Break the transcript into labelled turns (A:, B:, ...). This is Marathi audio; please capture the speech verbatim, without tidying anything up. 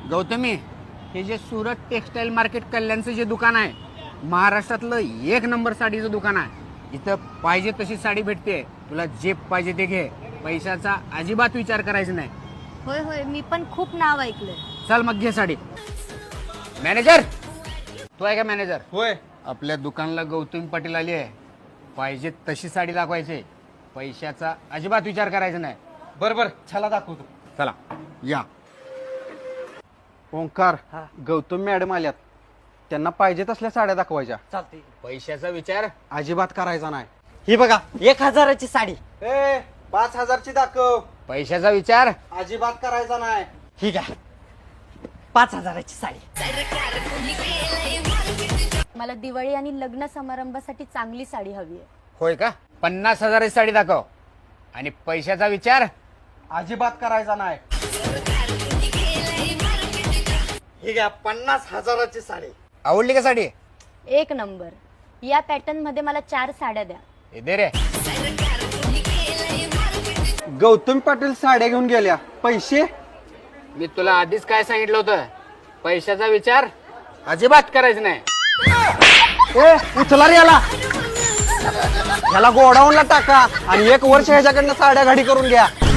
A: गौतमी, हे जे सुरत टेक्सटाईल मार्केट कल्याणचं जे दुकान आहे, महाराष्ट्रातलं एक नंबर साडीचं दुकान आहे. इथं पाहिजे तशी साडी भेटते. तुला जे पाहिजे ते घे. पैशाचा अजिबात विचार करायचा नाही.
B: होय होय, मी पण खूप नाव ऐकलंय.
A: चल मग घे साडी. मॅनेजर, तू आहे का मॅनेजर?
C: होय.
A: आपल्या दुकानला गौतमी पाटील आली आहे. पाहिजे तशी साडी दाखवायची. पैशाचा अजिबात विचार करायचा नाही.
C: बर बर, चला दाखवतो.
A: चला या.
C: ओंकार, गौतम मॅडम आल्यात. त्यांना पाहिजे तसल्या साड्या दाखवायच्या.
D: चालते.
A: पैशाचा विचार
C: अजिबात करायचा नाही.
D: ही बघा, एक हजाराची साडी.
C: ए पाच हजारची दाखव.
A: पैशाचा विचार
C: अजिबात करायचा नाही.
D: ही घ्या, पाच हजाराची साडी.
B: मला दिवाळी आणि लग्न समारंभासाठी चांगली साडी हवी आहे.
A: होय का? पन्नास हजाराची साडी दाखव. आणि पैशाचा विचार
C: अजिबात करायचा नाही.
D: ही घ्या, पन्नास हजाराची साडी.
A: आवडली का साडी?
B: एक नंबर. या पॅटर्न मध्ये मला चार साड्या द्या.
A: हे दे रे.
C: गौतम पाटील साड्या घेऊन गेल्या. पैसे?
A: मी तुला आधीच काय सांगितलं होतं, पैशाचा विचार अजिबात करायचा नाही.
C: ए उचला रे याला. ह्याला गोडाऊनला टाका आणि एक वर्ष ह्याच्याकडनं साड्या घडी करून घ्या.